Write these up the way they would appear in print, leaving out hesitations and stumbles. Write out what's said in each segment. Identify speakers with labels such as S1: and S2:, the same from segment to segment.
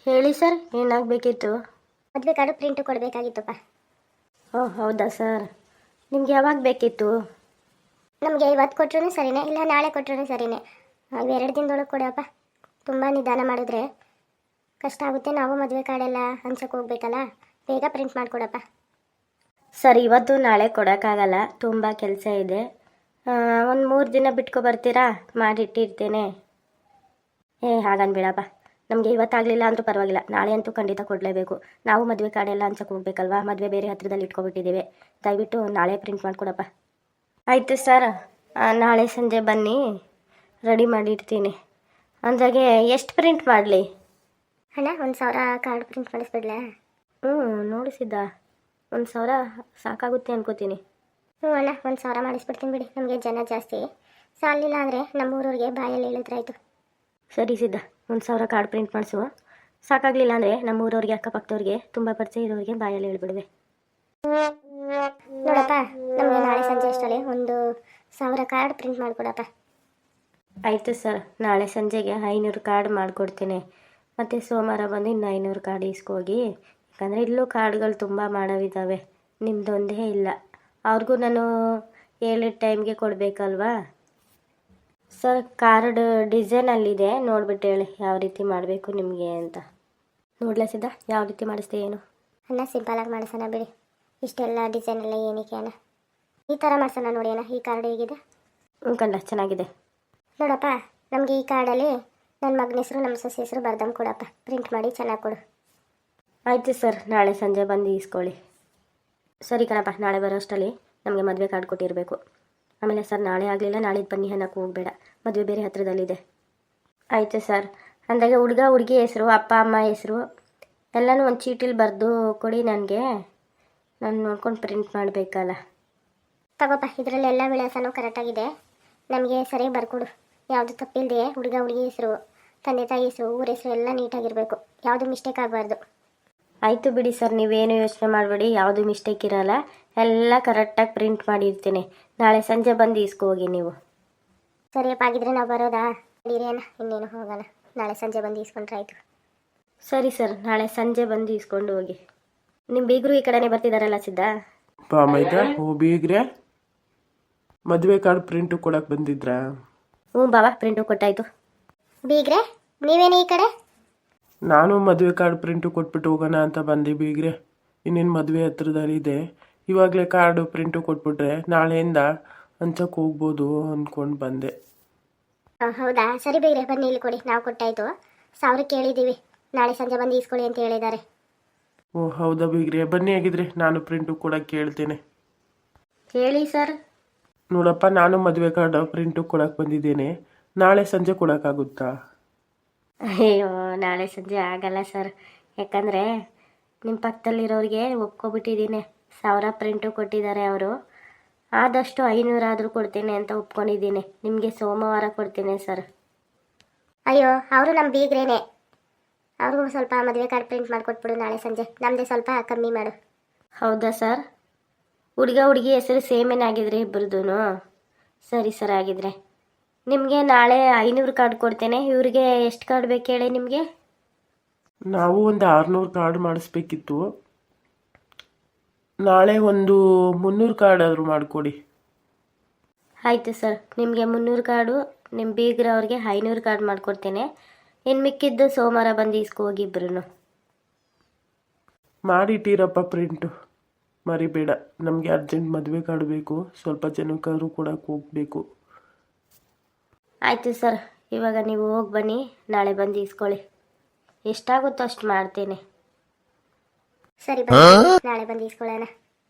S1: ಹೇಳಿ ಸರ್, ಏನಾಗಬೇಕಿತ್ತು?
S2: ಮದುವೆ ಕಾರ್ಡು ಪ್ರಿಂಟು ಕೊಡಬೇಕಾಗಿತ್ತಪ್ಪ.
S1: ಓಹ್ ಹೌದಾ ಸರ್, ನಿಮ್ಗೆ ಯಾವಾಗ ಬೇಕಿತ್ತು?
S2: ನಮಗೆ ಇವತ್ತು ಕೊಟ್ಟರು ಸರಿನೇ, ಇಲ್ಲ ನಾಳೆ ಕೊಟ್ಟರು ಸರಿನೇ. ಎರಡು ದಿನದೊಳಗೆ ಕೊಡಪ್ಪ. ತುಂಬ ನಿಧಾನ ಮಾಡಿದ್ರೆ ಕಷ್ಟ ಆಗುತ್ತೆ. ನಾವು ಮದುವೆ ಕಾರ್ಡೆಲ್ಲ ಹಂಚಕ್ಕೆ ಹೋಗ್ಬೇಕಲ್ಲ, ಬೇಗ ಪ್ರಿಂಟ್ ಮಾಡಿಕೊಡಪ್ಪ.
S1: ಸರ್, ಇವತ್ತು ನಾಳೆ ಕೊಡೋಕ್ಕಾಗಲ್ಲ, ತುಂಬ ಕೆಲಸ ಇದೆ. ಒಂದು 3 ದಿನ ಬಿಟ್ಕೊ ಬರ್ತೀರಾ? ಮಾಡಿಟ್ಟಿರ್ತೇನೆ. ಹಾಗನ್ಬೇಡಪ್ಪ, ನಮಗೆ ಇವತ್ತಾಗಲಿಲ್ಲ ಅಂದರೂ ಪರವಾಗಿಲ್ಲ, ನಾಳೆ ಅಂತೂ ಖಂಡಿತ ಕೊಡಲೇಬೇಕು. ನಾವು ಮದುವೆ ಕಾರ್ಡೆಲ್ಲ ಹಂಚಕ್ಕೆ ಹೋಗ್ಬೇಕಲ್ವಾ, ಮದುವೆ ಬೇರೆ ಹತ್ರದಲ್ಲಿ ಇಟ್ಕೊಬಿಟ್ಟಿದ್ದೀವಿ. ದಯವಿಟ್ಟು ನಾಳೆ ಪ್ರಿಂಟ್ ಮಾಡಿಕೊಡಪ್ಪ. ಆಯಿತು ಸರ್, ನಾಳೆ ಸಂಜೆ ಬನ್ನಿ, ರೆಡಿ ಮಾಡಿರ್ತೀನಿ. ಅಂದಾಗೆ ಎಷ್ಟು ಪ್ರಿಂಟ್ ಮಾಡಲಿ?
S2: ಅಣ್ಣ 1,000 ಕಾರ್ಡ್ ಪ್ರಿಂಟ್ ಮಾಡಿಸ್ಬಿಡ್ಲಾ?
S1: ನೋಡಿಸಿದ್ದ 1,000 ಸಾಕಾಗುತ್ತೆ ಅನ್ಕೋತೀನಿ.
S2: ಅಣ್ಣ 1,000 ಮಾಡಿಸ್ಬಿಡ್ತೀನಿ ಬಿಡಿ, ನಮಗೆ ಜನ ಜಾಸ್ತಿ. ಸಾಲಿಲ್ಲ ಅಂದರೆ ನಮ್ಮೂರವ್ರಿಗೆ ಬಾಯಲ್ಲಿ ಹೇಳಿದ್ರಾಯ್ತು.
S1: ಸರಿ ಸಿದ್ಧ, 1,000 ಕಾರ್ಡ್ ಪ್ರಿಂಟ್ ಮಾಡಿಸು. ಸಾಕಾಗಲಿಲ್ಲ ಅಂದರೆ ನಮ್ಮೂರವ್ರಿಗೆ, ಅಕ್ಕಪಕ್ಕದವ್ರಿಗೆ, ತುಂಬ ಪರಿಚಯ ಇರೋರಿಗೆ ಬಾಯಲ್ಲಿ ಹೇಳ್ಬಿಡುವೆ.
S2: ನೋಡಪ್ಪ, ನಮಗೆ ನಾಳೆ ಸಂಜೆ ಅಷ್ಟರಲ್ಲಿ 1,000 ಕಾರ್ಡ್ ಪ್ರಿಂಟ್ ಮಾಡಿಕೊಡಪ್ಪ.
S1: ಆಯಿತು ಸರ್, ನಾಳೆ ಸಂಜೆಗೆ 500 ಕಾರ್ಡ್ ಮಾಡಿಕೊಡ್ತೀನಿ. ಮತ್ತು ಸೋಮವಾರ ಬಂದು ಇನ್ನು 500 ಕಾರ್ಡ್ ಇಸ್ಕೋಗಿ. ಯಾಕಂದರೆ ಇಲ್ಲೂ ಕಾರ್ಡ್ಗಳು ತುಂಬ ಮಾಡೋವಿದ್ದಾವೆ, ನಿಮ್ಮದೊಂದೇ ಇಲ್ಲ. ಅವ್ರಿಗೂ ನಾನು ಹೇಳಿದ ಟೈಮ್ಗೆ ಕೊಡಬೇಕಲ್ವಾ ಸರ್. ಕಾರ್ಡ್ ಡಿಸೈನಲ್ಲಿದೆ, ನೋಡ್ಬಿಟ್ಟು ಹೇಳಿ ಯಾವ ರೀತಿ ಮಾಡಬೇಕು ನಿಮಗೆ ಅಂತ. ನೋಡ್ಲಸಿದ್ದ ಯಾವ ರೀತಿ ಮಾಡಿಸ್ದೆ ಏನು?
S2: ಅಣ್ಣ ಸಿಂಪಲಾಗಿ ಮಾಡಿಸೋಣ ಬಿಡಿ, ಇಷ್ಟೆಲ್ಲ ಡಿಸೈನ್ ಎಲ್ಲ ಏನಕ್ಕೆ ಅಣ್ಣ? ಈ ಥರ ಮಾಡ್ಸೋಣ ನೋಡಿ ಅಣ್ಣ. ಈ ಕಾರ್ಡ್ ಹೇಗಿದೆ?
S1: ಕಂಡ ಚೆನ್ನಾಗಿದೆ.
S2: ನೋಡಪ್ಪ, ನಮಗೆ ಈ ಕಾರ್ಡಲ್ಲಿ ನನ್ನ ಮಗನ ಹೆಸರು, ನಮ್ಮ ಸೊಸೆ ಹೆಸರು ಬರ್ದಮ್ ಕೊಡಪ್ಪ. ಪ್ರಿಂಟ್ ಮಾಡಿ ಚೆನ್ನಾಗಿ ಕೊಡು.
S1: ಆಯಿತು ಸರ್, ನಾಳೆ ಸಂಜೆ ಬಂದು ಇಸ್ಕೊಳ್ಳಿ. ಸರಿ ಕಣಪ್ಪ, ನಾಳೆ ಬರೋ ಅಷ್ಟರಲ್ಲಿ ನಮಗೆ ಮದುವೆ ಕಾರ್ಡ್ ಕೊಟ್ಟಿರಬೇಕು. ಆಮೇಲೆ ಸರ್, ನಾಳೆ ಆಗಲಿಲ್ಲ ನಾಳಿದ್ದು ಬನ್ನಿ ಅನ್ನೋಕ್ಕೆ ಹೋಗಬೇಡ, ಮದುವೆ ಬೇರೆ ಹತ್ರದಲ್ಲಿದೆ. ಆಯಿತು ಸರ್. ಅಂದಾಗೆ ಹುಡುಗ ಹುಡುಗಿ ಹೆಸರು, ಅಪ್ಪ ಅಮ್ಮ ಹೆಸರು ಎಲ್ಲನೂ ಒಂದು ಚೀಟಿಲಿ ಬರೆದು ಕೊಡಿ ನನಗೆ. ನಾನು ನೋಡ್ಕೊಂಡು ಪ್ರಿಂಟ್ ಮಾಡಬೇಕಲ್ಲ.
S2: ತಗೋಪ್ಪ, ಇದರಲ್ಲೆಲ್ಲ ವಿಳಾಸನೂ ಕರೆಕ್ಟಾಗಿದೆ. ನಮಗೆ ಸರಿಯಾಗಿ ಬರ್ಕೊಡು, ಯಾವುದು ತಪ್ಪಿಲ್ಲದೆ. ಹುಡುಗ ಹುಡುಗಿ ಹೆಸರು, ತಂದೆ ತಾಯಿ ಹೆಸರು, ಊರ ಹೆಸರು ಎಲ್ಲ ನೀಟಾಗಿರಬೇಕು, ಯಾವುದು ಮಿಸ್ಟೇಕ್ ಆಗಬಾರ್ದು.
S1: ಆಯಿತು ಬಿಡಿ ಸರ್, ನೀವೇನು ಯೋಚನೆ ಮಾಡಬೇಡಿ, ಯಾವುದು ಮಿಸ್ಟೇಕ್ ಇರೋಲ್ಲ, ಎಲ್ಲ ಕರೆಕ್ಟಾಗಿ ಪ್ರಿಂಟ್ ಮಾಡಿರ್ತೀನಿ. ನಾಳೆ ಸಂಜೆ ಬಂದು ಇಸ್ಕೋಗಿ ನೀವು.
S2: ಸರಿಯಪ್ಪ, ಆಗಿದ್ರೆ ನಾವು ಬರೋದಾ? ಇರೇನ, ಇನ್ನೇನು ಹೋಗೋಣ, ನಾಳೆ ಸಂಜೆ ಬಂದು ಇಸ್ಕೊಂಡ್ರೆ ಆಯಿತು.
S1: ಸರಿ ಸರ್, ನಾಳೆ ಸಂಜೆ ಬಂದು ಇಸ್ಕೊಂಡು ಹೋಗಿ. ನಿಮ್ಮ ಬೀಗರು ಈ ಕಡೆನೇ ಬರ್ತಿದ್ದಾರಲ್ಲ ಸಿದ್ಧ?
S3: ಬೀಗ್ರೆ ಮದುವೆ ಕಾರ್ಡ್ ಪ್ರಿಂಟು ಕೊಡಕ್ಕೆ ಬಂದಿದ್ರಾ?
S1: ಹ್ಞೂ ಬಾಬಾ, ಪ್ರಿಂಟು ಕೊಟ್ಟಾಯಿತು.
S2: ಬೀಗ್ರೆ ನೀವೇನು ಈ ಕಡೆ?
S3: ನಾನು ಮದುವೆ ಕಾರ್ಡ್ ಪ್ರಿಂಟು ಕೊಟ್ಬಿಟ್ಟು ಹೋಗೋಣ ಅಂತ ಬಂದೆ ಬೀಗ್ರೆ. ಇನ್ನೇನು ಮದುವೆ ಹತ್ರದಲ್ಲಿದೆ, ಇವಾಗಲೇ ಕಾರ್ಡು ಪ್ರಿಂಟು ಕೊಟ್ಬಿಟ್ರೆ ನಾಳೆಯಿಂದ ಹಂಚಕ್ಕೆ ಹೋಗ್ಬೋದು ಅಂದ್ಕೊಂಡು ಬಂದೆ.
S2: ಹೌದಾ, ಸರಿ ಬೀಗ್ರೆ ಬನ್ನಿ ಇಲ್ಲಿ ಕೊಡಿ, ನಾವು ಕೊಟ್ಟಾಯಿತು. 1,000 ಕೇಳಿದ್ದೀವಿ, ನಾಳೆ ಸಂಜೆ ಬಂದು ಇಸ್ಕೊಳ್ಳಿ ಅಂತ ಹೇಳಿದ್ದಾರೆ.
S3: ಓ ಹೌದಾ ಬೀಗ್ರೆ, ಬನ್ನಿ ಆಗಿದ್ರೆ ನಾನು ಪ್ರಿಂಟು ಕೊಡಕ್ಕೆ ಕೇಳ್ತೇನೆ.
S1: ಹೇಳಿ ಸರ್.
S3: ನೋಡಪ್ಪ, ನಾನು ಮದುವೆ ಕಾರ್ಡ್ ಪ್ರಿಂಟು ಕೊಡಕ್ಕೆ ಬಂದಿದ್ದೇನೆ, ನಾಳೆ ಸಂಜೆ ಕೊಡೋಕ್ಕಾಗುತ್ತಾ?
S1: ಅಯ್ಯೋ, ನಾಳೆ ಸಂಜೆ ಆಗಲ್ಲ ಸರ್, ಯಾಕಂದರೆ ನಿಮ್ಮ ಪಕ್ಕದಲ್ಲಿರೋರಿಗೆ ಒಪ್ಕೊಬಿಟ್ಟಿದ್ದೀನಿ. 1,000 ಪ್ರಿಂಟು ಕೊಟ್ಟಿದ್ದಾರೆ ಅವರು. ಆದಷ್ಟು 500 ಆದರೂ ಕೊಡ್ತೀನಿ ಅಂತ ಒಪ್ಕೊಂಡಿದ್ದೀನಿ. ನಿಮಗೆ ಸೋಮವಾರ ಕೊಡ್ತೀನಿ ಸರ್.
S2: ಅಯ್ಯೋ, ಅವರು ನಮ್ಮ ಬೀಗ್ರೇನೆ, ಅವ್ರಿಗೂ ಸ್ವಲ್ಪ ಮದುವೆ ಕಾರ್ಡ್ ಪ್ರಿಂಟ್ ಮಾಡಿಕೊಟ್ಬಿಡು ನಾಳೆ ಸಂಜೆ. ನಮ್ಮದೇ ಸ್ವಲ್ಪ ಕಮ್ಮಿ ಮಾಡು.
S1: ಹೌದಾ ಸರ್? ಹುಡುಗ ಹುಡುಗಿ ಹೆಸರು ಸೇಮೇನಾಗಿದ್ರೆ ಇಬ್ಬರದೂ? ಸರಿ ಸರ್, ಆಗಿದ್ರೆ ನಿಮಗೆ ನಾಳೆ 500 ಕಾರ್ಡ್ ಕೊಡ್ತೇನೆ. ಇವ್ರಿಗೆ ಎಷ್ಟು ಕಾರ್ಡ್ ಬೇಕು ಹೇಳಿ ನಿಮಗೆ?
S3: ನಾವು ಒಂದು 600 ಕಾರ್ಡ್ ಮಾಡಿಸ್ಬೇಕಿತ್ತು. ನಾಳೆ ಒಂದು 300 ಕಾರ್ಡ್ ಆದರೂ ಮಾಡಿಕೊಡಿ.
S1: ಆಯಿತು ಸರ್, ನಿಮಗೆ 300 ಕಾರ್ಡು, ನಿಮ್ಮ ಬೀಗ್ರವ್ರಿಗೆ 500 ಕಾರ್ಡ್ ಮಾಡಿಕೊಡ್ತೇನೆ. ಇನ್ನು ಮಿಕ್ಕಿದ್ದು ಸೋಮವಾರ ಬಂದು ಇಸ್ಕೋಗಿ ಇಬ್ಬರೂ.
S3: ಮಾಡಿಟ್ಟಿರಪ್ಪ ಪ್ರಿಂಟು, ಮರಿಬೇಡ. ನಮಗೆ ಅರ್ಜೆಂಟ್ ಮದುವೆ ಕಾರ್ಡ್ ಬೇಕು, ಸ್ವಲ್ಪ ಜನಕ್ಕಾದ್ರೂ ಕೊಡಕ್ಕೆ ಹೋಗಬೇಕು.
S1: ಆಯಿತು ಸರ್, ಇವಾಗ ನೀವು ಹೋಗಿ ಬನ್ನಿ, ನಾಳೆ ಬಂದು ಇಸ್ಕೊಳ್ಳಿ. ಎಷ್ಟಾಗುತ್ತೋ ಅಷ್ಟು ಮಾಡ್ತೇನೆ.
S2: ಸರಿ ಬನ್ನಿ, ನಾಳೆ ಬಂದು ಇಸ್ಕೊಳ್ಳೋಣ.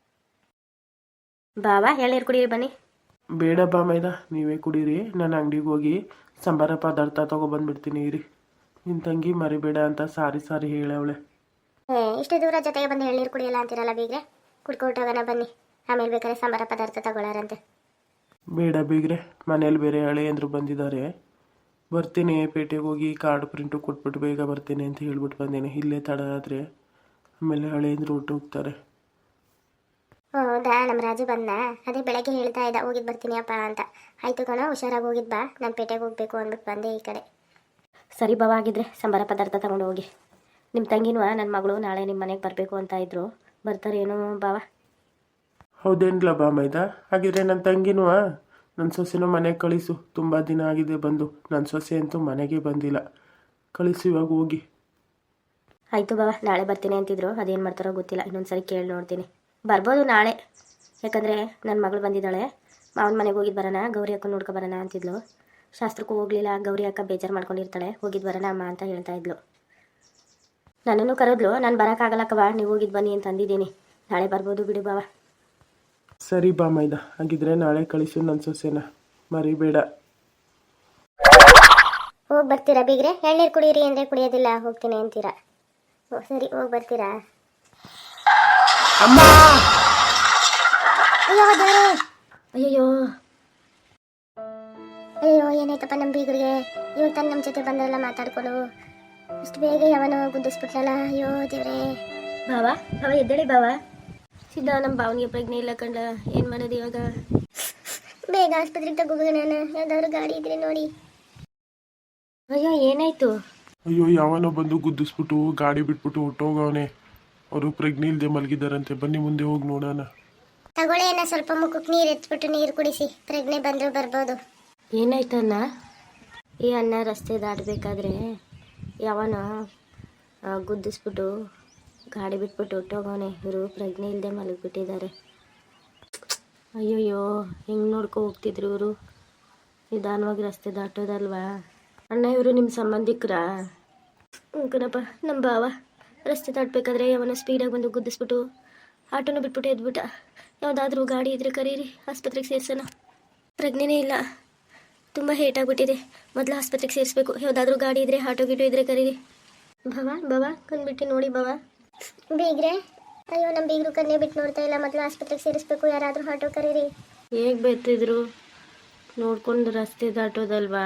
S1: ಬಾಬಾ ಎಳ್ನೀರು ಕುಡೀರಿ ಬನ್ನಿ.
S3: ಬೇಡ ಬಾ ಮೈದಾ, ನೀವೇ ಕುಡೀರಿ. ನಾನು ಅಂಗಡಿಗೆ ಹೋಗಿ ಸಂಬಾರ ಪದಾರ್ಥ ತೊಗೊಬಂದ್ಬಿಡ್ತೀನಿ ಇರಿ. ನಿನ್ನ ತಂಗಿ ಮರಿಬೇಡ ಅಂತ ಸಾರಿ ಹೇಳವಳೆ.
S2: ಇಷ್ಟು ದೂರ ಜೊತೆಗೆ ಬಂದು ಎಳ್ನೀರು ಕುಡಿಯಲ್ಲ ಅಂತೀರಲ್ಲ ಬೀಗ್ರೆ, ಕುಡ್ಕೊಟ್ಟೋಗೋಣ ಬನ್ನಿ. ಆಮೇಲೆ ಬೇಕಾದ್ರೆ ಸಂಬಾರ ಪದಾರ್ಥ ತಗೊಳ್ಳಾರಂತೆ.
S3: ಬೇಡ ಬೀಗ್ರೆ, ಮನೇಲಿ ಬೇರೆ ಹಳೆಯಂದ್ರು ಬಂದಿದ್ದಾರೆ. ಬರ್ತೀನಿ, ಪೇಟೆಗೆ ಹೋಗಿ ಕಾರ್ಡ್ ಪ್ರಿಂಟು ಕೊಟ್ಬಿಟ್ಟು ಬೇಗ ಬರ್ತೀನಿ ಅಂತ ಹೇಳ್ಬಿಟ್ಟು ಬಂದೇನೆ. ಇಲ್ಲೇ ತಡ ಆದರೆ ಆಮೇಲೆ ಹಳೆಯಂದ್ರು ಹೊರಟೋಗ್ತಾರೆ.
S2: ಹೌದಾ, ನಮ್ಮ ರಾಜು ಬಂದ, ಅದೇ ಬೆಳಗ್ಗೆ ಹೇಳ್ತಾ ಇದ್ದ ಹೋಗಿದ್ದು ಬರ್ತೀನಿ ಅಪ್ಪ ಅಂತ. ಆಯಿತು ಕಣ, ಹುಷಾರಾಗಿ ಹೋಗಿದ್ದು ಬಾ, ನಾನು ಪೇಟೆಗೆ ಹೋಗಬೇಕು ಅಂದ್ಬಿಟ್ಟು ಬಂದೆ ಈ ಕಡೆ.
S1: ಸರಿ ಬಾಬಾ, ಆಗಿದ್ರೆ ಸಂಬಾರ ಪದಾರ್ಥ ತಗೊಂಡು ಹೋಗಿ. ನಿಮ್ಮ ತಂಗಿನೂ ನನ್ನ ಮಗಳು ನಾಳೆ ನಿಮ್ಮ ಮನೆಗೆ ಬರಬೇಕು ಅಂತ ಇದ್ರು, ಬರ್ತಾರೇನೋ ಬಾವ?
S3: ಹೌದೇನ್ಲ ಬಾ ಮೈದಾ? ಹಾಗಿದ್ರೆ ನನ್ನ ತಂಗಿನೂ ನನ್ನ ಸೊಸೆನೂ ಮನೆಗೆ ಕಳಿಸು. ತುಂಬ ದಿನ ಆಗಿದೆ ಬಂದು. ನನ್ನ ಸೊಸೆ ಅಂತೂ ಮನೆಗೆ ಬಂದಿಲ್ಲ. ಕಳಿಸು ಇವಾಗ ಹೋಗಿ.
S1: ಆಯಿತು ಬಾವ, ನಾಳೆ ಬರ್ತೀನಿ ಅಂತಿದ್ರು, ಅದೇನು ಮಾಡ್ತಾರೋ ಗೊತ್ತಿಲ್ಲ. ಇನ್ನೊಂದು ಸರಿ ಕೇಳಿ ನೋಡ್ತೀನಿ. ಬರ್ಬೋದು ನಾಳೆ, ಯಾಕಂದರೆ ನನ್ನ ಮಗಳು ಬಂದಿದ್ದಾಳೆ. ಮಾವನ ಮನೆಗೆ ಹೋಗಿದ್ದು ಬರೋಣ, ಗೌರಿ ಅಕ್ಕ ನೋಡ್ಕೊ ಬರೋಣ ಅಂತಿದ್ಲು. ಶಾಸ್ತ್ರಕ್ಕೂ ಹೋಗಲಿಲ್ಲ, ಗೌರಿ ಅಕ್ಕ ಬೇಜಾರು ಮಾಡ್ಕೊಂಡಿರ್ತಾಳೆ. ಹೋಗಿದ್ದು ಬರೋಣ ಅಮ್ಮ ಅಂತ ಹೇಳ್ತಾ ಇದ್ಲು. ನನ್ನನ್ನು ಕರೆದ್ಲು, ನಾನು ಬರೋಕ್ಕಾಗಲ್ಲಕ್ಕವ, ನೀವು ಹೋಗಿದ್ದು ಬನ್ನಿ ಅಂತ ಅಂದಿದ್ದೀನಿ. ನಾಳೆ ಬರ್ಬೋದು ಬಿಡು ಬಾವ.
S3: ಸರಿ ಬಾ ಮೈದಾ, ಹಾಗಿದ್ರೆ ನಾಳೆ ಕಳಿಸು ನನ್ನ ಸೊಸೆನ, ಮರಿಬೇಡ.
S2: ಹೋಗಿ ಬರ್ತೀರಾ ಬೀಗ್ರೆ? ಎಳ್ನೀರು ಕುಡೀರಿ ಅಂದರೆ ಕುಡಿಯೋದಿಲ್ಲ, ಹೋಗ್ತೀನಿ ಅಂತೀರಾ. ಓ ಸರಿ, ಹೋಗಿ ಬರ್ತೀರಾ?
S3: ಅಮ್ಮ!
S2: ಅಯ್ಯೋ ದೇವ್ರೇ!
S1: ಅಯ್ಯಯ್ಯೋ,
S2: ಅಯ್ಯೋ ಏನಾಯ್ತಪ್ಪ ನಮ್ಮ ಬೀಗರಿಗೆ? ಇವಾಗ ತಾನು ನಮ್ಮ ಜೊತೆ ಬಂದ್ರಲ್ಲ ಮಾತಾಡ್ಕೊಂಡು, ಇಷ್ಟು ಬೇಗ ಯಾವನೋ ಗುದ್ದಿಸ್ಬಿಟ್ಲಲ್ಲ. ಅಯ್ಯೋ ದೇವ್ರೇ!
S1: ಬಾವ ಬಾವ ಎದ್ದೇಳಿ ಬಾವ. ಸಿದ್ಧ ನಮ್ಮ ಭಾವನಿಗೆ ಪ್ರಜ್ಞೆ ಇಲ್ಲ ಕಂಡ, ಏನು ಮಾಡೋದು ಇವಾಗ?
S2: ಬೇಗ ಆಸ್ಪತ್ರೆಗೆ ತಗೋಗೋಣ, ಯಾವ್ದಾದ್ರು ಗಾಡಿ ಇದ್ರೆ ನೋಡಿ.
S1: ಅಯ್ಯೋ ಏನಾಯ್ತು?
S3: ಅಯ್ಯೋ ಯಾವನೋ ಬಂದು ಗುದ್ದಿಸ್ಬಿಟ್ಟು ಗಾಡಿ ಬಿಟ್ಬಿಟ್ಟು ಹೊಟ್ಟೋಗವನೆ. ಅವರು ಪ್ರಜ್ಞೆ ಇಲ್ಲದೆ ಮಲಗಿದ್ದಾರಂತೆ. ಬನ್ನಿ ಮುಂದೆ ಹೋಗಿ ನೋಡೋಣ.
S2: ತಗೊಳ್ಳಿ ಅಣ್ಣ, ಸ್ವಲ್ಪ ಮುಖಕ್ಕೆ ನೀರು ಎತ್ಬಿಟ್ಟು ನೀರು ಕುಡಿಸಿ, ಪ್ರಜ್ಞೆ ಬಂದರೂ ಬರ್ಬೋದು.
S1: ಏನಾಯ್ತು ಅಣ್ಣ? ಈ ಅಣ್ಣ ರಸ್ತೆ ದಾಟಬೇಕಾದ್ರೆ ಯಾವನ ಗುದ್ದಿಸ್ಬಿಟ್ಟು ಗಾಡಿ ಬಿಟ್ಬಿಟ್ಟು ಹೊಟ್ಟೋಗವನೆ. ಇವರು ಪ್ರಜ್ಞೆ ಇಲ್ಲದೆ ಮಲಗಿಬಿಟ್ಟಿದ್ದಾರೆ. ಅಯ್ಯೋಯ್ಯೋ, ಹೆಂಗೆ ನೋಡ್ಕೊ ಹೋಗ್ತಿದ್ರು ಇವರು? ನಿಧಾನವಾಗಿ ರಸ್ತೆ ದಾಟೋದಲ್ವಾ? ಅಣ್ಣ ಇವರು ನಿಮ್ಮ ಸಂಬಂಧಿಕರಾ? ಕಣಪ್ಪ, ನಮ್ಮ ಭಾವ ರಸ್ತೆ ದಾಟಬೇಕಾದ್ರೆ ಯಾವನ ಸ್ಪೀಡಾಗಿ ಬಂದು ಗುದ್ದಿಸ್ಬಿಟ್ಟು ಆಟೋನ ಬಿಟ್ಬಿಟ್ಟು ಎದ್ಬಿಟ್ಟ. ಯಾವುದಾದ್ರೂ ಗಾಡಿ ಇದ್ರೆ ಕರೀರಿ, ಆಸ್ಪತ್ರೆಗೆ ಸೇರ್ಸೋಣ. ಪ್ರಜ್ಞೆನೇ ಇಲ್ಲ, ತುಂಬ ಹೇಟಾಗ್ಬಿಟ್ಟಿದೆ. ಮೊದಲು ಆಸ್ಪತ್ರೆಗೆ ಸೇರಿಸ್ಬೇಕು. ಯಾವುದಾದ್ರೂ ಗಾಡಿ ಇದ್ರೆ, ಆಟೋ ಗಿಟೋ ಇದ್ರೆ ಕರೀರಿ. ಬಾವ ಕಂಡ್ಬಿಟ್ಟು ನೋಡಿ ಬಾವ.
S2: ಬೀಗ್ರೆ, ಅಯ್ಯೋ ನಮ್ಮ ಬೀಗರು ಕನ್ನೆ ಬಿಟ್ಟು ನೋಡ್ತಾ ಇಲ್ಲ, ಮೊದಲು ಆಸ್ಪತ್ರೆಗೆ ಸೇರಿಸ್ಬೇಕು. ಯಾರಾದರೂ ಆಟೋ ಕರೀರಿ.
S1: ಹೇಗೆ ಬರ್ತಿದ್ರು? ನೋಡ್ಕೊಂಡು ರಸ್ತೆ ದಾಟೋದಲ್ವಾ?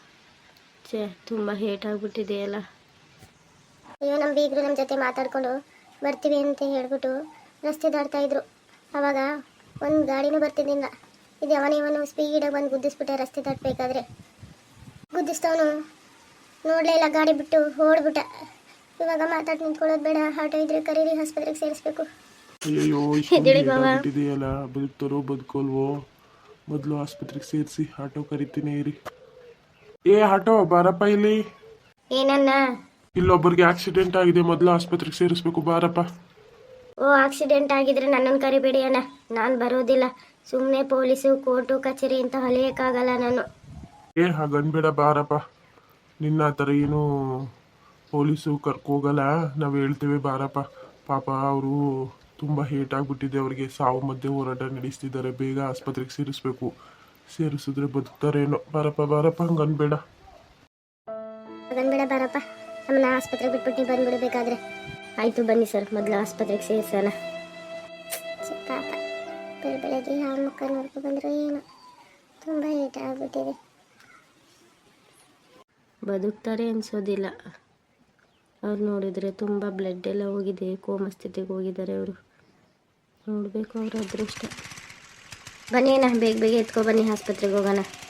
S1: ತುಂಬ ಹೇಟಾಗ್ಬಿಟ್ಟಿದೆಯಲ್ಲ.
S2: ಅಯ್ಯೋ ನಮ್ಮ ಬೀಗರು ನಮ್ಮ ಜೊತೆ ಮಾತಾಡ್ಕೊಂಡು ಬರ್ತೀವಿ ಅಂತ ಹೇಳ್ಬಿಟ್ಟು ರಸ್ತೆ ದಾಟ್ತಾ ಇದ್ರು. ಆವಾಗ ಒಂದು ಗಾಡಿನೂ ಬರ್ತಿದ್ದಿಲ್ಲ. ಇದು ಇವನು ಸ್ಪೀಡಾಗಿ ಬಂದು ಗುದ್ದಿಸ್ಬಿಟ್ಟೆ ರಸ್ತೆ ದಾಟಬೇಕಾದ್ರೆ. ಗುದ್ದಿಸ್ತವನು ನೋಡಲೇ ಇಲ್ಲ, ಗಾಡಿ ಬಿಟ್ಟು ಓಡ್ಬಿಟ್ಟ. ಇವಾಗ ಮಾತಾಡಿ ನಿಂತ್ಕೊಳ್ಳೋದು ಬೇಡ, ಆಟೋ ಇದ್ರೆ ಕರೀರಿ, ಆಸ್ಪತ್ರೆಗೆ ಸೇರಿಸ್ಬೇಕು.
S3: ಅಯ್ಯೋ ಇದೆಯಲ್ಲ, ಬದುಕ್ತಾರೋ ಬದುಕೋಲ್ವೋ? ಮೊದಲು ಆಸ್ಪತ್ರೆಗೆ ಸೇರಿಸಿ, ಆಟೋ ಕರಿತೀನಿ ಇರಿ. ಏ ಆಟೋ ಬಾರಪ್ಪ ಇಲ್ಲಿ.
S2: ಏನನ್ನ?
S3: ಇಲ್ಲೊಬ್ಬರಿಗೆ ಆಕ್ಸಿಡೆಂಟ್ ಆಗಿದೆ, ಮೊದಲು ಆಸ್ಪತ್ರೆಗೆ ಸೇರಿಸ್ಬೇಕು, ಬಾರಪ್ಪ.
S2: ಓ ಆಕ್ಸಿಡೆಂಟ್ ಆಗಿದ್ರೆ ನನ್ನನ್ನು ಕರಿಬೇಡಿ ಅಣ್ಣ, ನಾನು ಬರೋದಿಲ್ಲ. ಸುಮ್ಮನೆ ಪೊಲೀಸು ಕೋರ್ಟು ಕಚೇರಿ ಅಂತ ಹೊಲಿಯೋಕ್ಕಾಗಲ್ಲ ನಾನು.
S3: ಏ ಹಾಗನ್ಬೇಡ, ಬಾರಪ್ಪ. ನಿನ್ನ ಆ ಥರ ಏನು ಪೊಲೀಸು ಕರ್ಕೋಗಲ್ಲ, ನಾವು ಹೇಳ್ತೇವೆ, ಬಾರಪ್ಪ. ಪಾಪ ಅವರು ತುಂಬ ಹೇಟಾಗ್ಬಿಟ್ಟಿದೆ, ಅವ್ರಿಗೆ ಸಾವು ಮಧ್ಯೆ ಹೋರಾಟ ನಡೆಸ್ತಿದ್ದಾರೆ. ಬೇಗ ಆಸ್ಪತ್ರೆಗೆ ಸೇರಿಸ್ಬೇಕು, ಸೇರಿಸಿದ್ರೆ ಬದುಕ್ತಾರೇನೋ. ಬಾರಪ್ಪ ಹಂಗನ್ಬೇಡ.
S2: ಹಾಗನ್ಬೇಡ ಬಾರಪ್ಪ, ನಮ್ಮನ್ನ ಆಸ್ಪತ್ರೆಗೆ ಬಿಟ್ಬಿಟ್ಟು ಬಂದ್ಬಿಡ್ಬೇಕಾದ್ರೆ.
S1: ಆಯಿತು ಬನ್ನಿ ಸರ್, ಮೊದಲು ಆಸ್ಪತ್ರೆಗೆ ಸೇರಿಸೋಣ.
S2: ಪಾಪ ಬೆಳಗ್ಗೆ ಯಾವ ಮುಖ ನೋಡ್ಕೊಂಡು ಬಂದರೂ ಏನೋ, ತುಂಬ ಏಟ ಆಗ್ಬಿಟ್ಟಿದೆ.
S1: ಬದುಕ್ತಾರೆ ಅನ್ಸೋದಿಲ್ಲ. ಅವ್ರು ನೋಡಿದರೆ ತುಂಬ ಬ್ಲಡ್ ಎಲ್ಲ ಹೋಗಿದೆ, ಕೋಮ ಸ್ಥಿತಿಗೆ ಹೋಗಿದ್ದಾರೆ ಅವರು. ನೋಡಬೇಕು ಅವ್ರ ಅದೃಷ್ಟ.
S2: ಬನ್ನಿ ಅಣ್ಣ, ಬೇಗ ಎತ್ಕೊ ಬನ್ನಿ, ಆಸ್ಪತ್ರೆಗೆ ಹೋಗೋಣ.